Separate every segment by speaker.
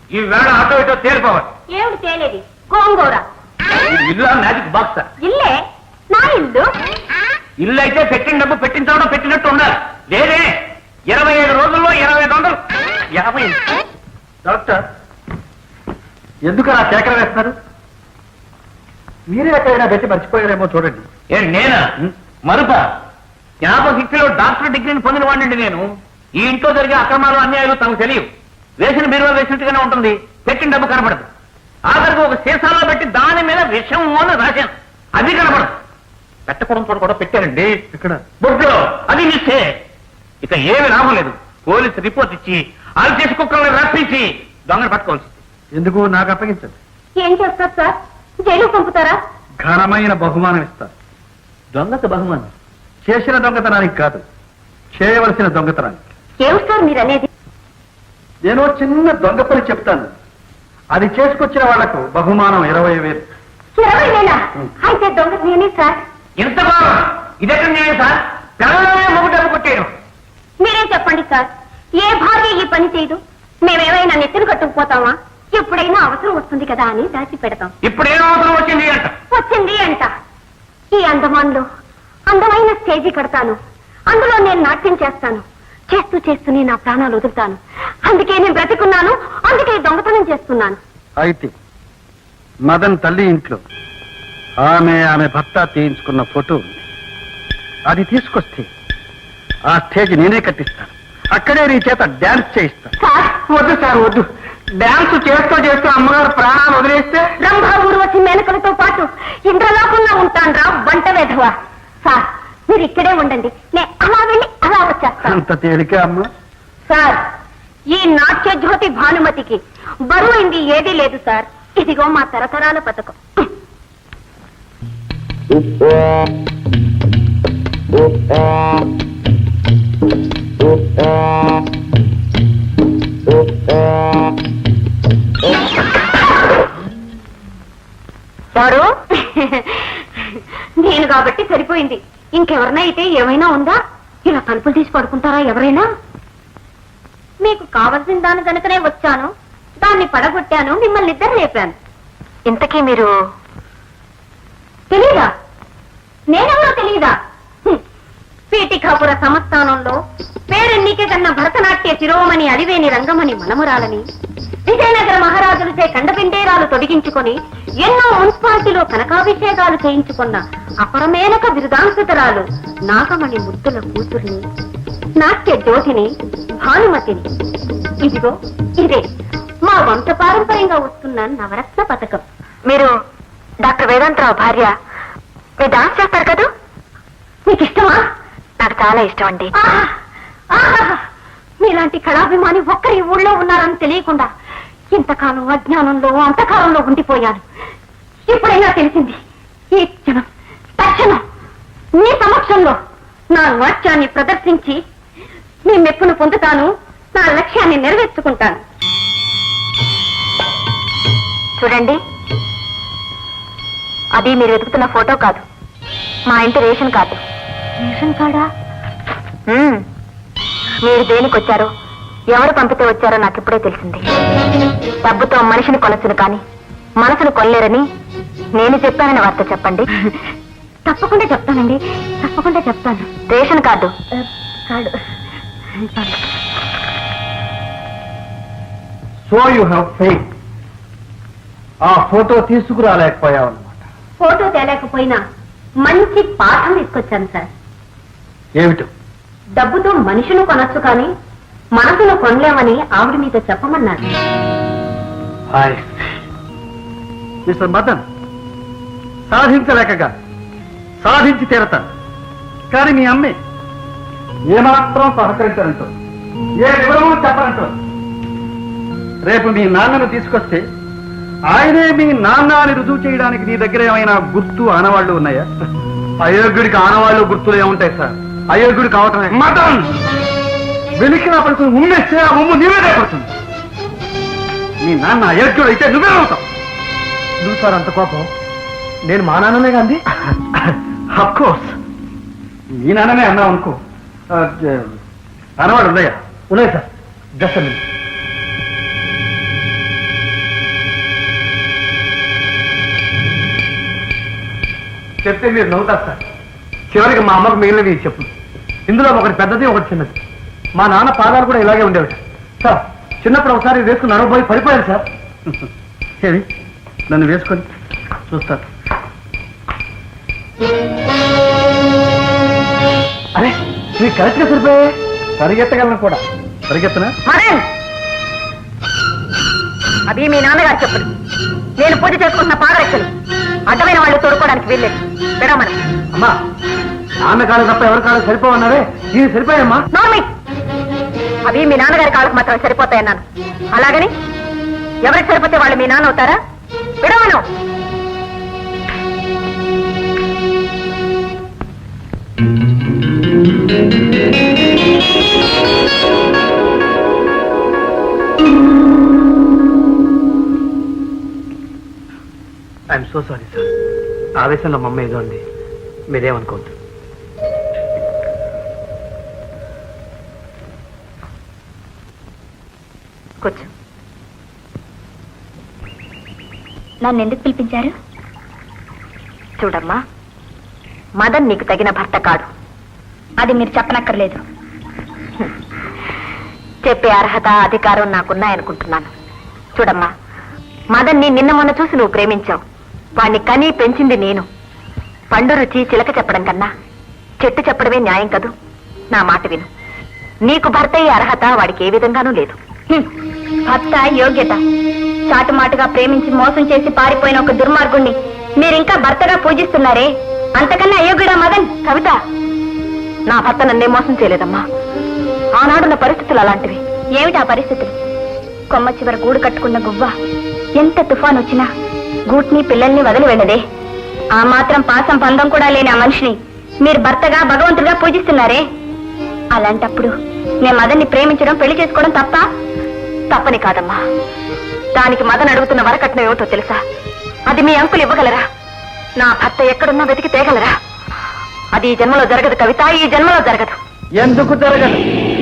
Speaker 1: ఈ వేళ ఆటో ఇటో తేలిపోవాలి.
Speaker 2: ఏమిటి తేలేది? గోంగూర.
Speaker 1: ఇల్లు మ్యాజిక్ బాక్స్.
Speaker 2: ఇల్లే నా ఇల్లు.
Speaker 1: ఇల్లు అయితే పెట్టిన డబ్బు పెట్టించడం పెట్టినట్టు ఉండాలి. లేదే 25 రోజుల్లో 2500. 50.
Speaker 3: డాక్టర్ ఎందుకు అలా సేకర వేస్తున్నారు? మీరే ఎక్కడైనా పెట్టి మర్చిపోయారేమో చూడండి.
Speaker 1: నేనా మరుప? జ్ఞాపశక్తిలో డాక్టర్ డిగ్రీని పొందిన వాడిని నేను. ఈ ఇంట్లో జరిగే అక్రమాలు అన్యాయాలు తమకు తెలియవు. వేసిన బీరువా వేసినట్టుగానే ఉంటుంది, పెట్టిన డబ్బు కనపడదు. ఆఖరికి ఒక సీసాలో పెట్టి దాని మీద విషం అని రాశాను, అది కనపడదు. పెట్టకూడదు చోట కూడా పెట్టానండి. ఇక్కడ బొడ్లో అది మిస్టే. ఇక ఏమి లాభం లేదు. పోలీసు రిపోర్ట్ ఇచ్చి ఆల్చేసి కుక్కలను రప్పించి దొంగను పట్టుకోవాల్సి.
Speaker 3: ఎందుకు నాకు అప్పగించండి.
Speaker 2: ఏం చేస్తారు సార్? జైలు పంపుతారా?
Speaker 3: ఘనమైన బహుమానం ఇస్తారు.
Speaker 1: దొంగకు బహుమానం?
Speaker 3: చేసిన దొంగతనానికి కాదు, చేయవలసిన దొంగతనానికి.
Speaker 2: ఏమిటి సార్ మీరు అనేది?
Speaker 3: నేను చిన్న దొంగ పని చెప్తాను, అది చేసుకొచ్చిన వాళ్లకు బహుమానం 20,000.
Speaker 2: 20,000? అయితే దొంగ నేనే సార్.
Speaker 1: ఎంత బాగా ఇదెక్కడ న్యాయం సార్? పిల్లలనే మొగ్గు డబ్బు కొట్టేయడం.
Speaker 2: మీరే చెప్పండి సార్, ఏ భార్య ఈ పని చేయదు? మేమేమైనా నెత్తిని కట్టుకుపోతామా? ఎప్పుడైనా అవసరం వస్తుంది కదా అని దాచి పెడతాం.
Speaker 1: ఇప్పుడేం అవసరం వచ్చింది అంట?
Speaker 2: వచ్చింది అంట. ఈ అండమాన్లో అందమైన స్టేజీ కడతాను, అందులో నేను నాట్యం చేస్తాను. చేస్తూ చేస్తూనే నా ప్రాణాలు వదులుతాను. అందుకే నేను బ్రతికున్నాను, అందుకే దొంగతనం చేస్తున్నాను.
Speaker 3: అయితే మదన్ తల్లి ఇంట్లో ఆమె భర్త తీయించుకున్న ఫోటో ఉంది. అది తీసుకొస్తే ఆ స్టేజ్ నేనే కట్టిస్తాను. అక్కడే నీ చేత డాన్స్ చేయిస్తాను.
Speaker 2: సార్
Speaker 1: వద్దు సార్ వద్దు. డాన్స్ చేస్తూ చేస్తూ అమ్మగారు ప్రాణాలు వదిలేస్తే
Speaker 2: రంభా ఊర్వశి మేనకలతో పాటు ఇంద్రలోకంలో ఉంటాను రా బంట వెధవా. సార్ మీరు ఇక్కడే ఉండండి, నేను అలా వెళ్ళి అలా వచ్చేస్తాను.
Speaker 3: అంత తేలిక అమ్మా?
Speaker 2: సార్ ఈ నాట్య జ్యోతి భానుమతికి బరువైంది ఏదీ లేదు సార్. ఇదిగో మా తరతరాల పథకం. సారు నేను కాబట్టి సరిపోయింది. ఇంకెవరినైతే ఏమైనా ఉందా? ఇలా తలుపులు తీసి పడుకుంటారా ఎవరైనా? మీకు కావలసిన దాని కనుకనే వచ్చాను, దాన్ని పడగొట్టాను, మిమ్మల్ని ఇద్దరు లేపాను. ఇంతకీ మీరు తెలీదా? నేనెవరో తెలీదా? పీఠికాపుర సంస్థానంలో పేరెన్నికే కన్నా భరతనాట్య శిరోమణి అలివేని రంగమణి మనమురాలని విజయనగర మహారాజులచే కండపిండేరాలు తొడిగించుకొని ఎన్నో మున్సిపాలిటీలో కనకాభిషేకాలు చేయించుకున్న అపరమేనక బిరుదాంకితురాలు నాగమణి ముద్దుల కూతుర్ని, నాట్య జ్యోతిని, భానుమతిని. ఇదిగో ఇదే మా వంశపారంపర్యంగా వస్తున్న నవరత్న పథకం. మీరు డాక్టర్ వేదాంతరావు భార్య, మీరు డాన్స్ చేస్తారు కదా? మీకు ఇష్టమా? నాకు చాలా ఇష్టం అండి. మీలాంటి కళాభిమాని ఒక్కరి ఊళ్ళో ఉన్నారని తెలియకుండా ఇంతకాలం అజ్ఞానంలో అంతకాలంలో ఉండిపోయాను. ఇప్పుడైనా తెలిసింది. ఈ క్షణం తక్షణం మీ సమక్షంలో నా నాట్యాన్ని ప్రదర్శించి మీ మెప్పును పొందుతాను, నా లక్ష్యాన్ని నెరవేర్చుకుంటాను. చూడండి, అది మీరు వెతుకుతున్న ఫోటో కాదు, మా ఇంటి రేషన్ కార్డు. రేషన్ కార్డా? మీరు దేనికి వచ్చారో, ఎవరు పంపితే వచ్చారో నాకు ఇప్పుడే తెలిసింది. డబ్బుతో మనిషిని కొనచ్చును కానీ మనసును కొనలేరని నేను చెప్పానని వార్త చెప్పండి. తప్పకుండా చెప్తానండి, తప్పకుండా చెప్తాను. Ration card card.
Speaker 3: So you have faith. ఆ ఫోటో తీసుకురాలేకపోయావు అన్నమాట.
Speaker 2: ఫోటో తేలేకపోయినా మంచి పాఠం తీసుకొచ్చాను సార్.
Speaker 3: ఏమిటో?
Speaker 2: డబ్బుతో మనిషిని కొనొచ్చు కానీ మనసును కొనలేమని ఆవిడ మీతో చెప్పమన్నారు.
Speaker 3: మిస్టర్ మదన్, సాధించలేకగా సాధించి తీరతాను. కానీ మీ అమ్మే ఏమాత్రం సహకరించారంటో, ఏ వివరమూ చెప్పరంటో. రేపు మీ నాన్నను తీసుకొస్తే ఆయనే మీ నాన్న అని రుజువు చేయడానికి నీ దగ్గర ఏమైనా గుర్తు ఆనవాళ్లు ఉన్నాయా? అయోగ్యుడికి ఆనవాళ్లు గుర్తులు ఏముంటాయి సార్? అయోగ్యుడు కావటమే. మదన్, వెలికిన పడుకుని ఉమ్మేస్తే ఆ ఉమ్ము నీవేదే పడుతుంది. నీ నాన్న అయోగ్యుడు అయితే నువ్వే అవుతావు. నువ్వు సార్ అంత కోపం? నేను మా నాన్ననే కాంది. అఫ్కోర్స్ మీ నాన్ననే అన్నావు అనుకో. ఆనవాళ్ళు ఉన్నాయా? ఉన్నాయి సార్. జస్ట్ చెప్తే మీరు నవ్వుతారు సార్. చివరికి మా అమ్మకు మిగిలినవి చెప్పు. ఇందులో ఒకటి పెద్దది, ఒకటి చిన్నది. మా నాన్న పాదాలు కూడా ఇలాగే ఉండేవి సార్. చిన్నప్పుడు ఒకసారి వేసుకుని నడవబోయి పడిపోయారు సార్. ఏమి నన్ను వేసుకొని చూస్తారు. అరే మీరు కరెక్ట్గా సరిపోయే. పరిగెత్తగలను కూడా. పరిగెత్తనా?
Speaker 2: అది మీ నాన్నగారు చెప్పడు. నేను పూజ చేసుకుంటున్న పాదరక్షలు అడ్డమైన వాళ్ళు తోడుకోవడానికి వెళ్ళలేదు. విడమని
Speaker 3: అమ్మా, నాన్న కాళ్ళు తప్ప ఎవరి కాళ్ళు సరిపోవన్నారే. ఇది సరిపోయమ్మా.
Speaker 2: నార్మి, అవి మీ నాన్నగారి కాళ్ళకు మాత్రం సరిపోతాయన్నాను. అలాగని ఎవరికి సరిపోతే వాళ్ళు మీ నాన్న అవుతారా? విడమను.
Speaker 3: I'm so sorry sir. ఆవేశంలో మా అమ్మ ఏదో అండి, మీరేమనుకోవద్దు.
Speaker 2: కూర్చో. నన్ను ఎందుకు పిలిపించారు? చూడమ్మా, మదన్ నీకు తగిన భర్త కాడు. అది మీరు చెప్పనక్కర్లేదు. చెప్పే అర్హత, అధికారం నాకున్నాయనుకుంటున్నాను. చూడమ్మా, మదన్ని నిన్న మొన్న చూసి నువ్వు ప్రేమించావు. వాణ్ణి కనీ పెంచింది నేను. పండు రుచి చిలక చెప్పడం కన్నా చెట్టు చెప్పడమే న్యాయం కదూ. నా మాట విను. నీకు భర్త అయ్యే అర్హత వాడికి ఏ విధంగానూ లేదు. భర్త యోగ్యత. చాటుమాటుగా ప్రేమించి మోసం చేసి పారిపోయిన ఒక దుర్మార్గుణ్ణి మీరింకా భర్తగా పూజిస్తున్నారే, అంతకన్నా అయోగ్యుడా మదన్? కవిత, నా భర్త నన్నే మోసం చేయలేదమ్మా. ఆనాడున్న పరిస్థితులు అలాంటివి. ఏమిటా పరిస్థితులు? కొమ్మ చివర గూడు కట్టుకున్న గువ్వ ఎంత తుఫాన్ వచ్చినా గూట్ని పిల్లల్ని వదిలి వెళ్ళదే. ఆ మాత్రం పాసం పందం కూడా లేని ఆ మనిషిని మీరు భర్తగా, భగవంతుడిగా పూజిస్తున్నారే. అలాంటప్పుడు నేను మదన్ని ప్రేమించడం, పెళ్లి చేసుకోవడం తప్ప? తప్పని కాదమ్మా. దానికి మదన్ అడుగుతున్న వరకట్నం ఏమిటో తెలుసా? అది మీ అంకులు ఇవ్వగలరా? నా భర్త ఎక్కడున్నా వెతికి తేగలరా? అది ఈ జన్మలో జరగదు కవిత, ఈ జన్మలో జరగదు.
Speaker 3: ఎందుకు జరగదు?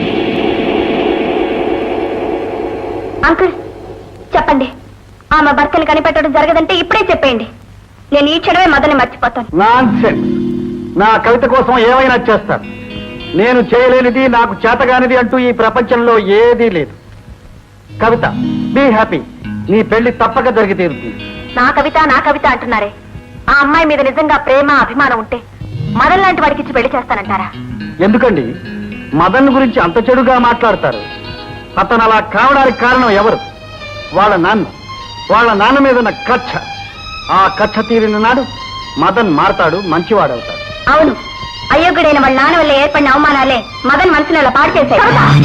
Speaker 2: అంకుల్ చెప్పండి. ఆమె భర్తని కనిపెట్టడం జరగదంటే ఇప్పుడే చెప్పేయండి. నేను ఈ క్షణమే మదన్ని మర్చిపోతాను.
Speaker 3: నాన్సెన్స్. నా కవిత కోసం ఏమైనా చేస్తాను. నేను చేయలేనిది, నాకు చేతగానిది అంటూ ఈ ప్రపంచంలో ఏదీ లేదు. Kavitha, be happy. నీ పెళ్లి తప్పక జరిగి తీరుతుంది.
Speaker 2: నా కవిత, నా కవిత అంటున్నారే. ఆ అమ్మాయి మీద నిజంగా ప్రేమ, అభిమానం ఉంటే మదన్ లాంటి వాడికి ఇచ్చి పెళ్లి చేస్తానంటారా?
Speaker 3: ఎందుకండి మదన్ గురించి అంత చెడుగా మాట్లాడతారు? అతను అలా కావడానికి కారణం ఎవరు? వాళ్ళ నాన్న. వాళ్ళ నాన్న మీద ఉన్న కక్ష. ఆ కక్ష తీరిన నాడు మదన్ మారతాడు, మంచివాడవుతాడు.
Speaker 2: అవును, అయోగ్యుడైన వాళ్ళ నాన్న వల్ల ఏర్పడిన అవమానాలే మదన్ మనసుని అలా పాడు చేశాయి.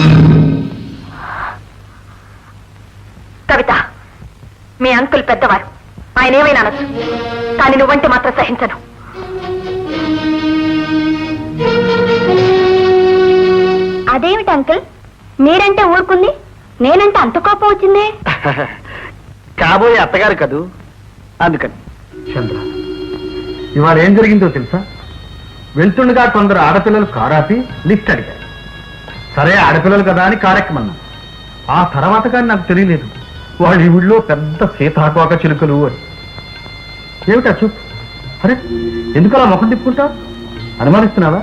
Speaker 2: కవిత, మీ అంకుల్ పెద్దవారు, ఆయన ఏమైనా అనొచ్చు, కానీ నువ్వంటే మాత్రం సహించను. అదేమిటి అంకుల్, మీరంటే ఊరుకుంది, నేనంటే అంత కోపం వచ్చింది?
Speaker 3: కాబోయే అత్తగారు కదూ, అందుకని. చంద్ర, ఇవాళ ఏం జరిగిందో తెలుసా? వెళ్తుండగా కొందరు ఆడపిల్లలు కారాపి లిఫ్ట్ అడిగారు. సరే, ఆడపిల్లలు కదా అని కారెక్కమన్నాం. ఆ తర్వాత కానీ నాకు తెలియలేదు వాళ్ళ ఈ ఊళ్ళో పెద్ద సీతాకోక చిలుకలు అని. ఏమిటా చూపు? అరే, ఎందుకలా ముఖం తిప్పుకుంటావు? అనుమానిస్తున్నావా?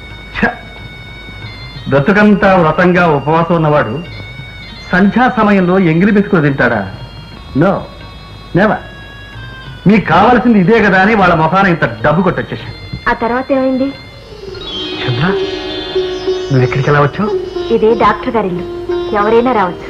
Speaker 3: బ్రతుకంతా వ్రతంగా ఉపవాసం ఉన్నవాడు సంధ్యా సమయంలో ఎంగిలి బిస్కులు తింటాడా? No, never. మీకు కావాల్సింది ఇదే కదా అని వాళ్ళ ముఖాన ఇంత డబ్బు కొట్టొచ్చేసాను.
Speaker 2: ఆ తర్వాత ఏమైంది?
Speaker 3: చంద్ర, నువ్వు ఎక్కడికి ఎలా వచ్చావు?
Speaker 2: ఇదే డాక్టర్ గారి ఇల్లు, ఎవరైనా రావచ్చు.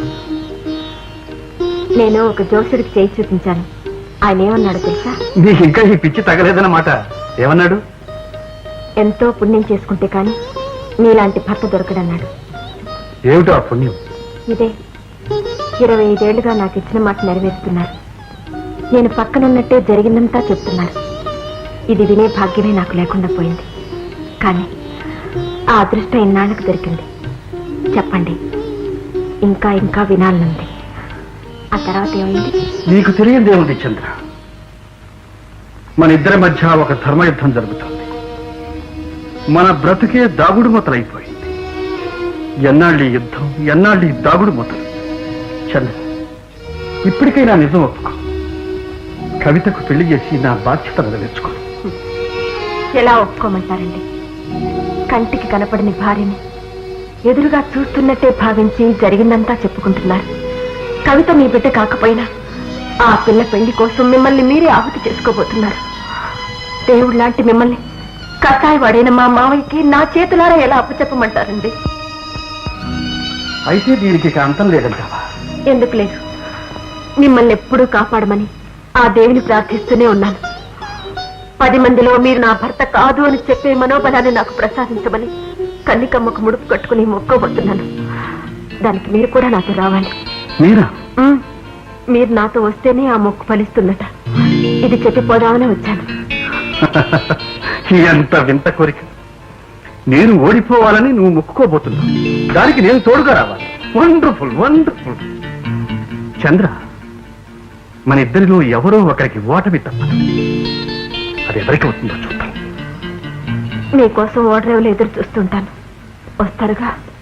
Speaker 2: నేను ఒక జోసుడికి చేయి చూపించాను. ఆయన ఏమన్నాడు తెలుసా?
Speaker 3: నీకు ఇంకా ఈ పిచ్చి తగలేదన్నమాట. ఏమన్నాడు?
Speaker 2: ఎంతో పుణ్యం చేసుకుంటే కాని మీలాంటి భర్త దొరకడన్నాడు.
Speaker 3: ఏమిటో ఆ పుణ్యం?
Speaker 2: ఇదే 25 ఏళ్లుగా నాకు ఇచ్చిన మాట నెరవేరుస్తున్నారు. నేను పక్కనున్నట్టే జరిగిందంతా చెప్తున్నారు. ఇది వినే భాగ్యమే నాకు లేకుండా పోయింది. కానీ ఆ అదృష్టం ఇన్నాళ్ళకు దొరికింది. చెప్పండి, ఇంకా ఇంకా వినాలనుంది. ఆ తర్వాత ఏమైంది?
Speaker 3: నీకు తెలియదేముంది చంద్ర. మన ఇద్దరి మధ్య ఒక ధర్మయుద్ధం జరుగుతుంది. మన బ్రతుకే దాగుడు మూతలైపోయింది. ఎన్నాళ్ళీ యుద్ధం, ఎన్నాళ్ళీ దాగుడు మూతలు. చంద్ర, ఇప్పటికైనా నిజం ఒప్పుకో. కవితకు పెళ్లి చేసి నా బాధ్యత నెరవేర్చుకో.
Speaker 2: ఎలా ఒప్పుకోమంటారండి? కంటికి కనపడని భార్యని ఎదురుగా చూస్తున్నట్టే భావించి జరిగిందంతా చెప్పుకుంటున్నారు. కవిత మీ బిడ్డ కాకపోయినా ఆ పిల్ల పెళ్లి కోసం మిమ్మల్ని మీరే ఆహుతి చేసుకోబోతున్నారు. దేవుడు లాంటి మిమ్మల్ని కసాయి వాడైన మా మావయ్యకి నా చేతులారా ఎలా అప్పచెప్పమంటారండి?
Speaker 3: అయితే దీనికి ఇక అంతం లేదంటావా?
Speaker 2: ఎందుకు లేదు, మిమ్మల్ని ఎప్పుడూ కాపాడమని ఆ దేవుని ప్రార్థిస్తూనే ఉన్నాను. 10 మందిలో మీరు నా భర్త కాదు అని చెప్పే మనోబలాన్ని నాకు ప్రసాదించమని కన్నికమ్మకు ముడుపు కట్టుకుని మొక్కబోతున్నాను. దానికి మీరు కూడా నాతో రావాలి.
Speaker 3: మీరా?
Speaker 2: మీరు నాతో వస్తేనే ఆ మొక్కు ఫలిస్తుందట. ఇది చెప్పిపోదామని వచ్చాను.
Speaker 3: ఎంత వింత కోరిక! నేను ఓడిపోవాలని నువ్వు మొక్కుకోబోతున్నావు, దానికి నేను తోడుగా రావాలి. Wonderful, wonderful. చంద్ర, మన ఇద్దరిలో ఎవరో ఒకరికి ఓటమి తప్పదు. అది ఎవరికి అవుతుందో చూద్దాం.
Speaker 2: మీకోసం ఓడరేవులు ఎదురు చూస్తుంటాను. వస్తారుగా?